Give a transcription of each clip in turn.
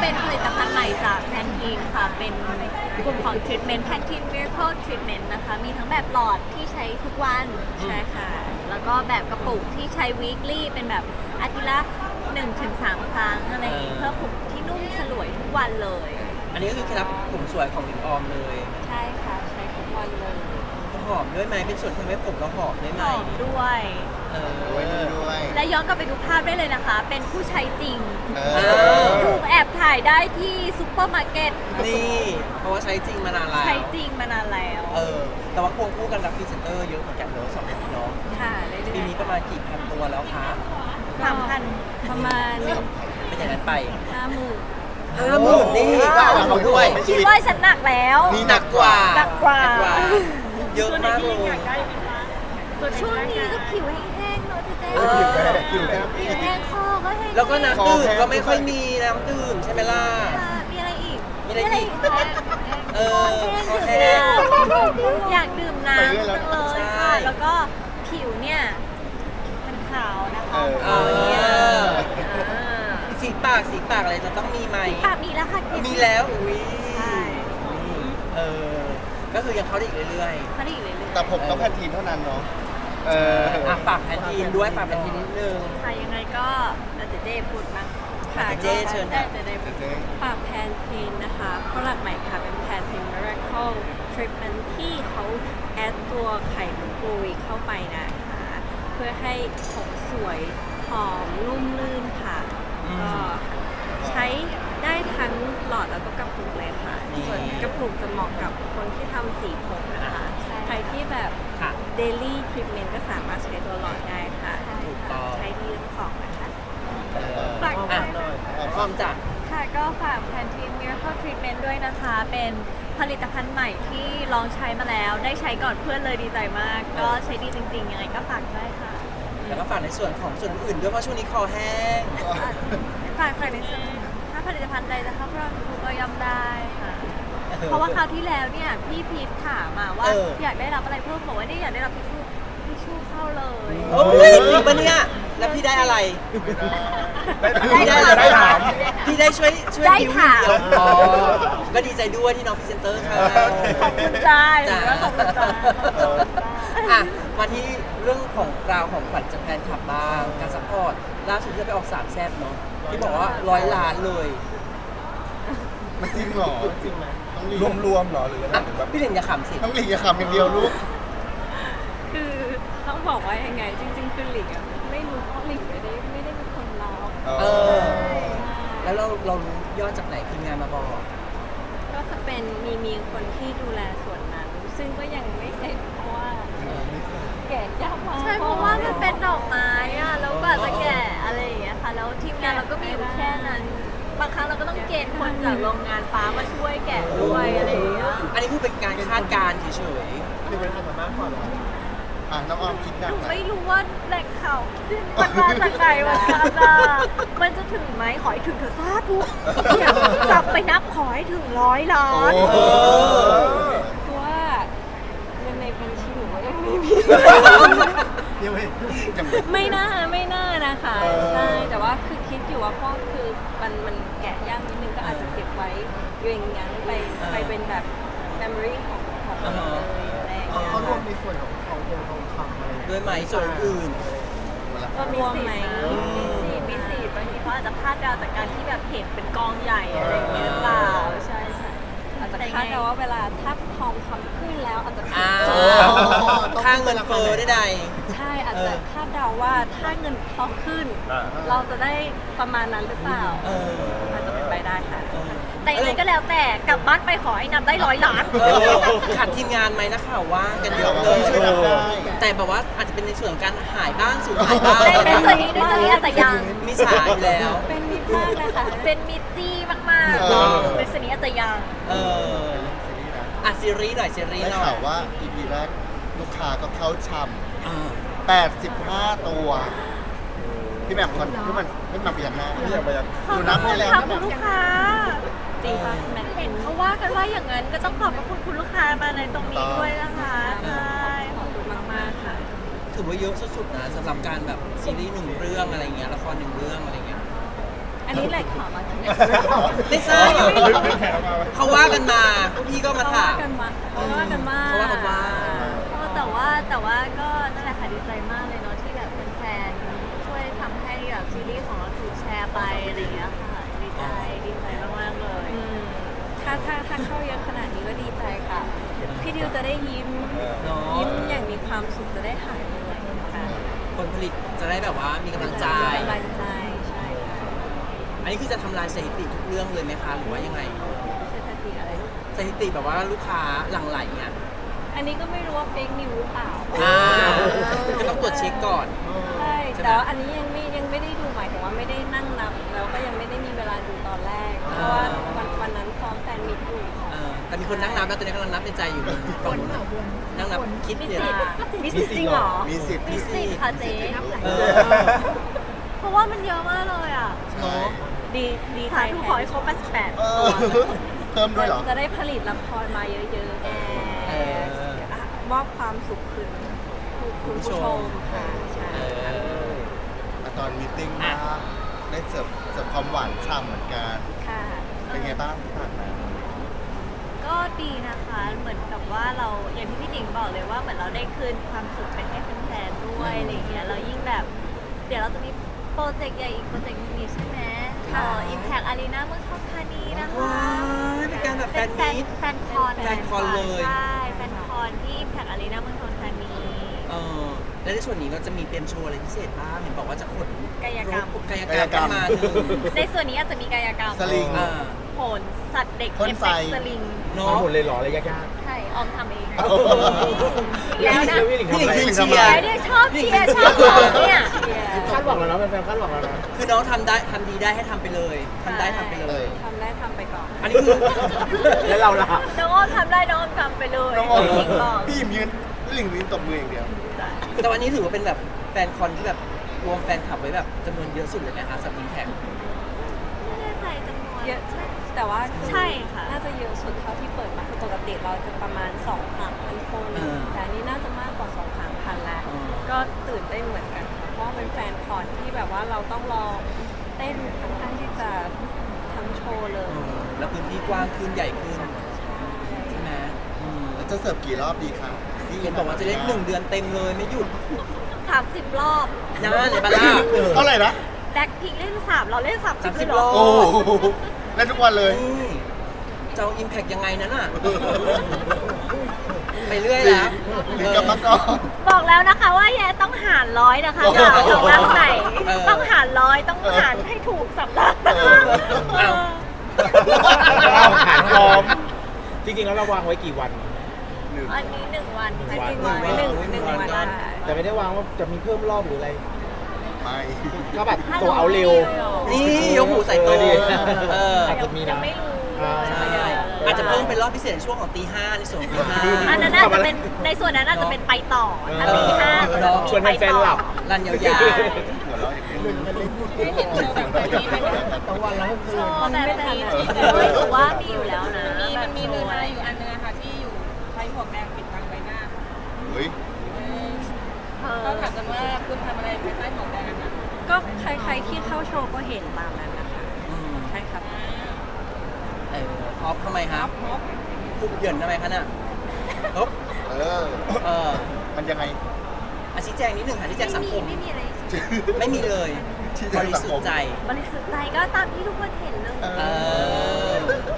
เป็นผลิตภัณฑ์ใหม่จากแพนทีนค่ะเป็นกลุ่มของ Treatment Pantene Miracle Treatment นะคะมีทั้งแบบหลอดที่ใช้ทุกวันใช่ค่ะแล้วก็แบบกระปุกที่ใช้ weekly เป็นแบบอาทิตย์ละ 1-3 ครั้งอะไรอย่างงี้เพื่อผมที่นุ่มสลวยทุกวันเลยอันนี้ก็คือเคล็ดลับผมสวยของหลิงออมเลยใช่ค่ะใช้ทุกวันเลยหอมด้วยไหมเป็นส่วนที่ทำให้ผมเราหอมได้ไหมหอมด้วยด้วยและย้อนกลับไปดูภาพได้เลยนะคะ เป็นผู้ใช้จริงอถูกแอบถ่ายได้ที่ซุปเปอร์มาร์เก็ตนี่เพราะว่าใช้จริงมานานแล้วใช้จริงมานานแล้วแต่ว่าควงคู่กันรับพรีเซนเตอร์เยอะเหมือนกันเนอะสองคนเนาะค่ะเรื่ปีอยนี้ประมาณกี่พันตัวแล้วคะๆ3,000ประมาณเป็นอย่างนั้นไป 50,000 50,000นี่ก็เอาเขาด้วยคิดว่าฉันหนักแล้วนี่หนักกว่าหนักกว่าเยอะมากเลยช่วงนี้ก็ผิวแห้งๆเนอะเจ๊ผิวแห้งผิวแห้งคอก็แห้งแล้วก็น้ำดื่มก็ไม่ค่อยมีน้ำดื่มใช่ไหมล่ะค่ะมีอะไรอีกมีอะไรอีกคะคอแห้งอยากดื่มน้ำจังเลยใช่ค่ะ แล้วก็ผิวเนี่ยมันขาวนะคะเออ สีปากอะไรจะต้องมีไหมปากมีแล้วค่ะมีแล้วอุ้ยใช่เออก็คือยังเข้าได้อีกเรื่อยเขาได้อีกเลยๆแต่ผมต้องแพนทีนเท่านั้นเนาะฝากแพนทีนด้วยฝากแพนทีนนิดนึงค่ะยังไงก็เจ๊พูดมั้งค่ะเจ๊เชิญค่ะเจ๊พูดเจ๊ฝากแพนเทนนะคะโปรดักต์ใหม่ค่ะเป็นแพนเทน Miracle Treatment ที่เขาแอดตัวไข่มุกปุยเข้าไปนะคะเพื่อให้ผมสวยหอมนุ่มลื่นค่ะก็ใช้ได้ทั้งหลอดแล้วก็กระปุกเลยค่ะส่วนกระปุกจะเหมาะกับคนที่ทำสีผมนะคะใครที่แบบค่ะ Daily Treatment ก็สามารถใช้ตัวหลอดได้ค่ะถูกต้องใช้ดีทั้งสองนะคะ ฝากอ่ะพร้อมจ้ะค่ะก็ฝาก Pantene Miracle Treatment ด้วยนะคะ เป็นผลิตภัณฑ์ใหม่ที่ลองใช้มาแล้ว ได้ใช้ก่อนเพื่อนเลยดีใจมาก ก็ใช้ดีจริงๆ ยังไงก็ฝากด้วยค่ะแล้วก็ฝากในส่วนของส่วนอื่นด้วยเพราะช่วงนี้คอแห้งฝากในส่วนถ้าผลิตภัณฑ์ใดจะเข้าเราดูก็ย่อมได้ค่ะ เพราะว่าคราวที่แล้วเนี่ยพี่พีทถามมาว่า อยากได้รับอะไรเพิ่มบอกว่านี่อยากได้รับทิชชู่เข้าเลยโอ้ยจริงปะเนี่ย แล้วพี่ได้อะไร พี่ได้อะไรได้ถามพี่ได้ช่วยได้คิวถามเดียวอ๋อก็ดีใจด้วยที่น้องพรีเซนเตอร์ค่ะขอบคุณจ้าจ้าขอบคุณจ้าอ่ะมาที่เรื่องของราวของขวัญจากแฟนคลับบ้างการซัพพอร์ตล่าสุดที่ไปออกสามแซ่บเนาะที่บอกว่า100 ล้านเลยมันจริงเหรอจริงไหมรวมๆเหรอหรือยังไงอ่ะแบบพี่หลิงอย่าขำสิต้องหลีกอย่าขำอย่างเดียวลูกคือต้องบอกว่ายังไง จริงๆคือหลิงอะไม่รู้เพราะหลิงไม่ได้เป็นคนรับเออ แล้วเรารู้ยอดจากไหนทีมงานมาบอกก็จะเป็นมีคนที่ดูแลส่วนนั้น ซึ่งก็ยังไม่เสร็จเพราะว่าแกะยากมากใช่เพราะว่ามันเป็นดอกไม้อะแล้วกว่าจะแกะอะไรอย่างเงี้ยค่ะแล้วทีมงานเราก็มีอยู่แค่นั้น บางครั้งเราก็ต้องเกณฑ์คนจากโรงงานฟ้ามาช่วยแกะด้วยอะไรอย่างเงี้ยอันนี้คือเป็นการคาดการณ์เฉยคือเป็นธรรมะก่อนเหรอน้องออมคิดหนัหกนูไหมไม่รู้ว่าแหล่งข่าวมันมาจากไหนวะคะมันจะถึงไหมขอให้ถึงเถอะสาธุเนี่ยกลับไปนับขอให้ถึง100 ล้านโอ้เพราะว่าเงินในบัญชีหนูก็ยังไม่มียังไม่ยังไม่น่านะคะเออใช่แต่ว่าคือคิดอยู่ว่าพ่อคือมันแกะยากนิดนึงก็อาจจะเก็บไว้เรียงยั้งไปเป็นแบบ memory ของเราเลยอะไรอย่างเงี้ยเขารวมในส่วนของทองคำอะไรๆด้วยไหมส่วนอื่นก็รวมไหมมีสิบางทีเขาอาจจะพลาดเดาจากการที่แบบเห็นเป็นกองใหญ่อะไรอย่างเงี้ยหรือเปล่าใช่อาจจะคาดเดาว่าเวลาถ้าทองคำขึ้นแล้วอาจจะผิดอ้าวค่างเงินเฟ้อได้ใดใช่อาจจะคาดเดาว่าถ้าเงินทองขึ้น เราจะได้ประมาณนั้นหรือเปล่าเอออาจจะเป็นไปได้ค่ะ แต่ยังไงก็แล้วแต่กลับบ้านไปขอให้นับได้100 ล้านขาดทีมงานไหมนะข่าวว่างกันเยอะเลยช่วยนับได้แต่แบบว่าอาจจะเป็นในส่วนของการหายบ้างสูญหายบ้างในส่วนนี้อาจจะยังมีฉายอยู่แล้วเป็นมิตรมากเลยค่ะเป็นมิตรจี้มากเออๆในส่วนนี้อาจจะยังเออซีรีส์นะอ่ะซีรีส์หน่อยซีรีส์ได้หน่อข่าวย ว่า EP แรกลูกค้าก็เข้าช่อ่าำ85 ตัว พี่แหม่มก่อนพี่แหม่มพยักหน้าดูนับให้แล้วขอบคุณลูกค้าจริงป่ะแม่เห็นเขาว่ากันว่าอย่างนั้นก็ต้องขอบพระคุณคุณลูกค้ามาในตรงนี้ด้วยนะคะใช่ขอบคุณมากๆค่ะถือว่าเยอะสุดๆนะสำหรับการแบบซีรีส์หนึ่งเรื่องอะไรเงี้ยละครหนึ่งเรื่องอะไรเงี้ยอันนี้แหละข่าวมาจากไหนไม่ทราบเขาว่ากันมาพวกพี่ก็มาเขาถาว่าม กันมาเขาว่ากันมาเขาว่ากันว่าแต่ว่าก็นั่นแหละค่ะดีใจมากเลยเนาะที่แบบเป็นแฟนช่วยทำให้แบบซีรีส์ของเราถูกแชร์ไปอะไรอย่างเงี้ยค่ะดีใจมากๆเลยอืมถ้าเข้าเยอะขนาดนี้ก็ดีใจค่ะ พี่ดิวจะได้ยิ้มเนาะยิ้มอย่างมีความสุขจะได้หายเหนื่อยค่ะคนผลิตจะได้แบบว่ามีกำลังใจกำลังใจใช่ค่ะอันนี้คือจะทำลายสถิติทุกเรื่องเลยไหมคะหรือว่ายังไงเศรษฐกิจอะไรสถิติแบบว่าลูกค้าหลั่งไหลเนี่ยอันนี้ก็ไม่รู้ว่าเฟกนิวหรือเปล่าก็ต้องตรวจเช็คก่อนใช่ใช่ไหมแต่ว่าอันนี้ยังไม่ได้ดูหมายถึงว่าไม่ได้นั่งนับแล้วก็ยังไม่ได้มีเวลาดูตอนแรก เพราะว่าวันนั้นซ้อมแฟนมิตอยู่ค่ะแต่มีคนนั่งนับแล้วตอนนี้กำลังนับในใจอยู่ฝั่งนู้นนั่งนับคิดมีเนี่ยสิทธิ์มีสิทธิ์จริงเหรอมีสิทธิ์มีสิทธิ์ค่ะเจ๊เออเพราะว่ามันเยอะมากเลยอ่ะใช่ดีใจสาธุขอให้ครบเออเพิ่มด้วยเหรอจะได้ผลิตละครมาเยอะๆมอบความสุขคืนคุณผู้ชมค่ะใช่ตอนมีตติ้งมาได้เสิร์ฟความหวานฉ่ำเหมือนกันค่ะเป็นไงบ้างที่ผ่านมาก็ดีนะคะ เหมือนกับว่าเราอย่างที่พี่หนิงบอกเลยว่าเหมือนเราได้คืนความสุขไปให้แฟนๆด้วยอะไรเงี้ยเรายิ่งแบบ เดี๋ยวเราจะมีโปรเจกต์ใหญ่อีกโปรเจกต์นึงนี่ใช่ไหมImpact Arena เมืองทองธานีนะคะว้ายเป็นการแบบแฟนมีตแฟนคอนแฟนคอนเลยใช่แฟนคอนที่ Impact Arena เมืองทองธานีและในส่วนนี้เราจะมีเตรียมโชว์อะไรพิเศษบ้างเห็นบอกว่าจะขนกายกรรมกายกรรมมาหนึ่งในส่วนนี้อาจจะมีกายกรรมสลิงโหนสัตว์เด็กพ่นเอฟไฟเฟกต์สลิงเนาะมาหมดเลยเหรออะไรยากใช่ออมทำเองๆแล้วนะพี่หลิงพี่หลิงทำอะไรคือเชียร์แล้วเนี่ยชอบเชียร์ชอบบอกเนี่ยคาดหวังแล้วนะแฟนๆคาดหวังแล้วนะคือน้องทำดีได้ให้ทำไปเลยทำได้ทำไปเลยทำได้ทำไปก่อนอันนี้คือแล้วเราล่ะน้องอ้อมทำได้น้องอ้อมทำไปเลยน้องออมจริงบอกพี่หยิมยืนพี่หลิงยืนตบมืออย่างเดียวแต่วันนี้ถือว่าเป็นแบบแฟนคอนที่แบบรวมแฟนคลับไว้แบบจำนวนเยอะสุดเลยนะคะสำหรับอิมแพคไม่แน่ใจจำนวนเยอะแต่ว่าใช่ค่ะน่าจะเยอะสุดเท่าที่เปิดมาคือปกติเราจะประมาณ 2-3,000 คน แต่อันนี้น่าจะมากกว่า 2-3,000 แล้ว ก็ตื่นเต้นเหมือนกันค่ะเพราะว่าเป็นแฟนคอนที่แบบว่าเราต้องลองเต้นค่อนข้างที่จะทั้งโชว์เลยแล้วพื้นที่กว้างขึ้นใหญ่ขึ้นใช่ไหมแล้วจะเสิร์ฟกี่รอบดีคะที่เห็นบอกว่าจะเล่น1 เดือนเต็มเลยไม่หยุด 30 รอบนะเลยบาร่าเท่าไหร่นะแบ็คพิงเล่น 3 เราเล่น 30 30 เลยเหรรออบโอ้โหเล่นทุกวันเลยนี่จะเอาอิมแพคยังไงนั้นอ่ะ ไปเรื่อยแล้วหลิงกับมังกรบอกแล้วนะคะว่าแย่ต้องหารร้อยนะคะโอ้โหอย่าสำนักไหนเออต้องหารร้อยต้องหารให้ถูกสำนักนะคะเอ้าเราหารพร้อม จริงๆแล้วเราวางไว้กี่วันอันนี้1 วันอันนี้วันหนึ่งวันได้แต่ไม่ได้วางว่าจะมีเพิ่มรอบหรืออะไรไม่ก็แบบโตเอาเร็วนี่ยกหูใส่โตดีอาจจะมีนะยังไม่รู้ใช่อาจจะเพิ่มเป็นรอบพิเศษในช่วงของตี 5ในส่วนของตีอันนั้นน่าจะเป็นในส่วนนั้นน่าจะเป็นไปต่อถ้าตีห้าก็จะมีชวนไปแฟนต่อๆหลับ 5รันยาวหัวเราะอย่างเดียวได้เห็นโชว์แบบนี้ไหมโชว์แบบนี้หรือว่ามีอยู่แล้วนะมันมีเนื้อหาอยู่อันนึงอะค่ะที่อยู่ใช้หมวกแดงปิดบังใบหน้าเฮ้ยก็ถามกันว่าคุณทำอะไรภายใต้หมวกแดงนะก็ใครๆที่เข้าโชว์ก็เห็นตามนั้นนะคะๆใช่ครับฮอปทำไมครับคุกเหยินทำไมคะน่ะฮอปเออเออมันยังไงชี้แจงนิดหนึ่งค่ะชี้แจงสังคมไม่มีอะไรไม่มีเลยชี้แจบงริสังสุทคมธิ์ใจบริสุทธิ์ใจก็ตามที่ทุกคนเห็นเลยเออ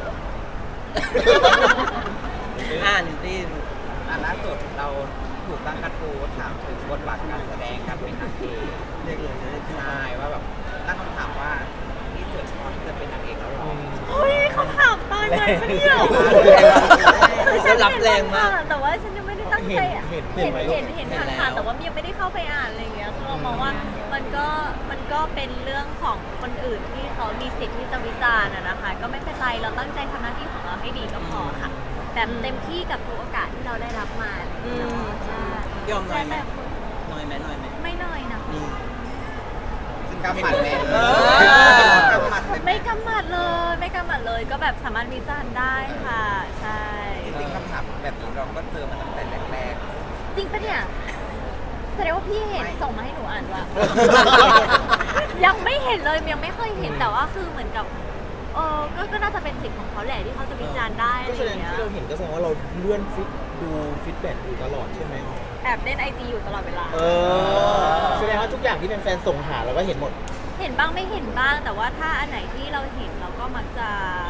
นิวตี้ล่าสุดเราถูกตั้งกระทู้ถามถึงบทบาทการแสดงการเป็นนางเอกเรียกเลยจะได้ใช่ว่าแบบตั้งคำถามว่านี่ส่วนพอที่จะเป็นนางเอกแล้วหรอเฮ้ยเขาถามตอนนั้นปะเนี่ยแล้วรับแรงมากแต่ว่าฉันยังไม่ได้ตั้งใจอ่ะเห็นเห็นไหมเห็นผ่านๆแต่ว่ายังไม่ได้เข้าไปอ่านอะไรอย่างเงี้ยคือเรามองว่ามันก็เป็นเรื่องของคนอื่นที่เขามีสิทธิ์ที่จะวิจารณ์อะนะคะ ก็ไม่เป็นไรเราตั้งใจทำหน้าที่ของเราให้ดีก็พอค่ะแบบเต็มที่กับทุกโอกาสที่เราได้รับมาใช่ยอมหน่อยไหมแต่หน่อยไหมหน่อยไหมไม่น้อยนะนี่ซึ่งกำหมัดแม่เออกำหมัดเลยไม่กำหมัดเลยก็แบบสามารถวิจารณ์ได้ค่ะ ใช่จริงๆคำถามแบบนี้เราก็เจอมาตั้งแต่แรกจริงปะเนี่ยแสดงว่าพี่เห็นส่งมาให้หนูอ่านว่ะๆยังไม่เห็นเลยยังไม่เคยเห็นแต่ว่าคือเหมือนกับก็น่าจะเป็นสิทธิ์ของเขาแหละที่เขาจะวิจารณ์ได้อะก็ไรแสอดงย่างเงี้ยที่เราเห็นก็แสดงว่าเราเลื่อนดูฟีดแบ็กอยู่ตลอดใช่ไหมแอบเล่นไอจีอยู่ตลอดเวลาแสดงว่าทุกอย่างที่แฟนๆส่งหาเราก็เห็นหมดเห็นบ้างไม่เห็นบ้าง แต่ว่าถ้าอันไหนที่เราเห็นเราก็มักจะ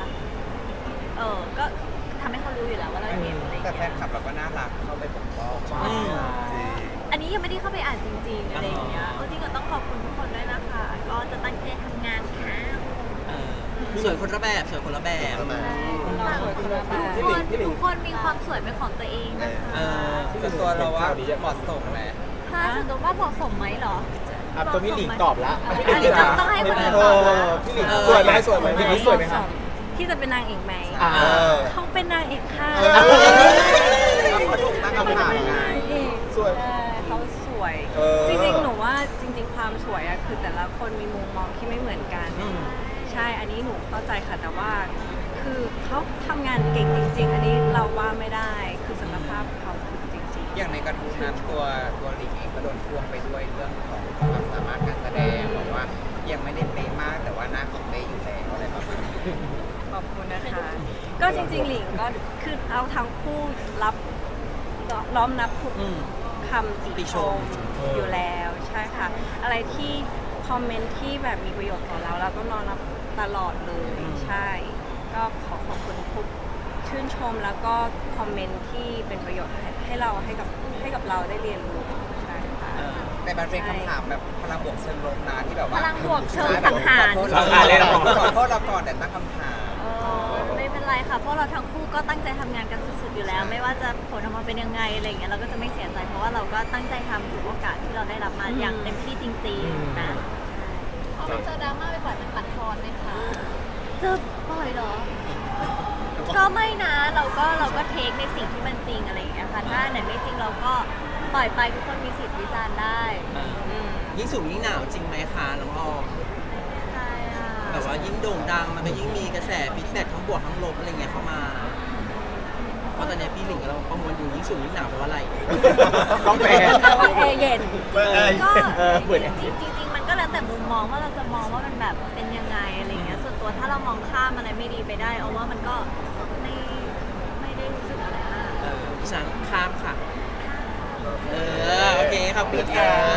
ก็ทำให้เขารู้อยู่แล้วว่าเราเห็นอะไรอย่างแต่แฟเงี้นยคลับเราก็น่ารักเข้าไปปกป้องอันนี้ยังไม่ได้เข้าไปอ่านจริงๆอะไรอย่างเงี้ยจริงก็ต้องขอบคุณทุกคนด้วยนะคะ ก็จะตั้งใจทำงานค่ะสวยคนละแบบสวยคนละแบบเราสวยคนละแบบทุกคนมีความสวยเป็นของตัวเองนะคะส่วนตัวเราว่าเหมาะสมแหละถ้าส่วนตัวว่าเหมาะสมไหมเหรอตัวพี่หลิงตอบละอันนี้ต้องให้คนอื่นตอบละพี่หลิงสวยไหมสวยไหมพี่หลิงสวยไหมครับที่จะเป็นนางเอกไหม เขาเป็นนางเอกค่ะเขาถูกตั้งคำถามไงสวยใช่เขาสวย จริงๆ หนูว่าจริง ๆ ความสวยอะคือแต่ละคนมีมุมมองที่ไม่เหมือนกัน ใช่ อันนี้หนูเข้าใจค่ะ แต่ว่า คือเขาทำงานเก่งจริง ๆ อันนี้เราว่าไม่ได้ คือศักยภาพเขาถึงจริงอย่างในกระทู้นั้นตัวหลิงเองก็โดนพ่วงไปด้วยเรื่องของความสามารถการแสดงบอกว่ายังไม่ได้เป๊ะมากแต่ว่าหน้าของเป๊ะอยู่แล้วอะไรประมาณนี้ๆ ขอบคุณนะคะ ก็จริง ๆ หลิงก็คือเอาทั้งคู่รับน้อมนับทุกคำติชมอยู่แล้ว ใช่ค่ะ อะไรที่คอมเมนต์ที่แบบมีประโยชน์ต่อเราเราก็น้อมรับตลอดเลย ใช่ ก็ขอขอบคุณทุกชื่นชมแล้วก็คอมเมนต์ที่เป็นประโยชน์ให้กับเราได้เรียนรู้ใช่ค่ะแต่มันเป็นคำถามแบบพลังบวกเชิงลบนะที่แบบว่าพลังบวกเชิงสังหารสังหารเลยนะขอโทษเราก่อนแต่ตั้งคำถามไม่เป็นไรค่ะเพราะเราทั้งคู่ก็ตั้งใจทำงานกันสุดๆอยู่แล้ว ไม่ว่าจะผลออกมาเป็นยังไงอะไรอย่างเงี้ยเราก็จะไม่เสียใจเพราะว่าเราก็ตั้งใจทำทุกโอกาสที่เราได้รับมาอย่างเต็มที่จริงๆนะพอมันเจอดราม่าไปบ่อยมันปัดทอนไหมคะเจอบ่อยเหรอ ก็ไม่นะเราก็เทคในสิ่งที่มันจริงอะไรอย่างเงี้ยค่ะถ้าไหนไม่จริงเราก็ปล่อยไปทุกคนมีสิทธิ์วิจารณ์ได้ยิ่งสูงยิ่งหนาวจริงไหมคะน้องออมใช่ค่ะแบบว่ายิ่งโด่งดังมันก็ยิ่งมีกระแสฟีดแบ็กทั้งบวกทั้งลบอะไรเงี้ยเข้ามาเพราะตอนนี้พี่หลิงกับเราประมวลอยู่ยิ่งสูงยิ่งหนาวแปลว่าอะไรต้องแปลแต่ว่าแอร์เย็นก็เปิดจริงๆมันก็แล้วแต่มุมมองว่าเราจะมองว่ามันแบบเป็นยังไงอะไรอย่างเงี้ยส่วนตัวถ้าเรามองข้ามอะไรไม่ดีไปได้เอาว่ามันก็ไม่ได้รู้สึกอะไรมากดิฉันข้ามค่ะ โอเคขอบคุณค่ะ